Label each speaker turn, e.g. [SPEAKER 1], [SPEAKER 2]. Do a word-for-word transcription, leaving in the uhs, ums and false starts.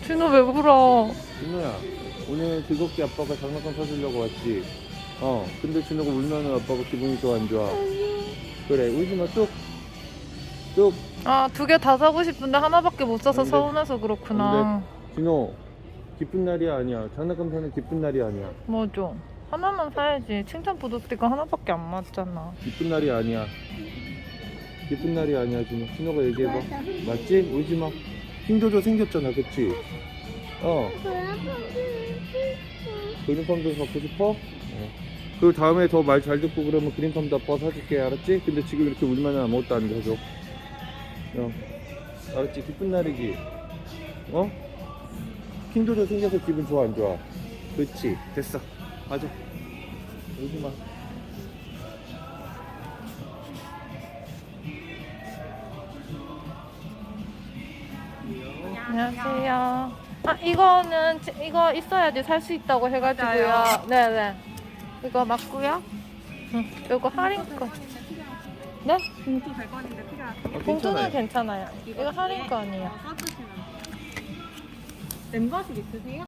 [SPEAKER 1] 진호 왜 울어?
[SPEAKER 2] 진호야, 오늘 즐겁게 아빠가 장난감 사주려고 왔지? 어, 근데 진호가 울면은 아빠가 기분이 좋아, 안 좋아? 그래, 울지 마, 뚝! 뚝!
[SPEAKER 1] 아, 두 개 다 사고 싶은데 하나밖에 못 사서
[SPEAKER 2] 안 돼.
[SPEAKER 1] 서운해서 그렇구나.
[SPEAKER 2] 진호, 기쁜 날이 아니야. 장난감 사는 기쁜 날이 아니야.
[SPEAKER 1] 뭐죠? 하나만 사야지. 칭찬 보도 스티커 하나밖에 안 맞잖아.
[SPEAKER 2] 기쁜 날이 아니야. 기쁜 날이 아니야, 진호. 진호가 얘기해봐. 맞지? 울지 마. 킹조조 생겼잖아, 그치? 어. 그린팜도 갖고 싶어? 어. 그리고 다음에 더 말 잘 듣고 그러면 그린팜도 아빠가 사줄게, 알았지? 근데 지금 이렇게 울면 아무것도 안 해줘. 어. 알았지? 기쁜 날이지? 어? 킹조조 생겨서 기분 좋아, 안 좋아? 그렇지. 됐어. 맞아. 울지 마.
[SPEAKER 1] 안녕하세요. 아, 이거는 지- 이거 있어야지 살 수 있다고 해가지고요. 네네. 이거 맞고요. 응. 이거 할인권. 네?
[SPEAKER 3] 봉투 백 원인데 필요하세요?
[SPEAKER 2] 어,
[SPEAKER 1] 봉투는
[SPEAKER 2] 괜찮아요.
[SPEAKER 1] 괜찮아요. 이거 할인권이에요.
[SPEAKER 3] 써주시면 멤버십 있으세요?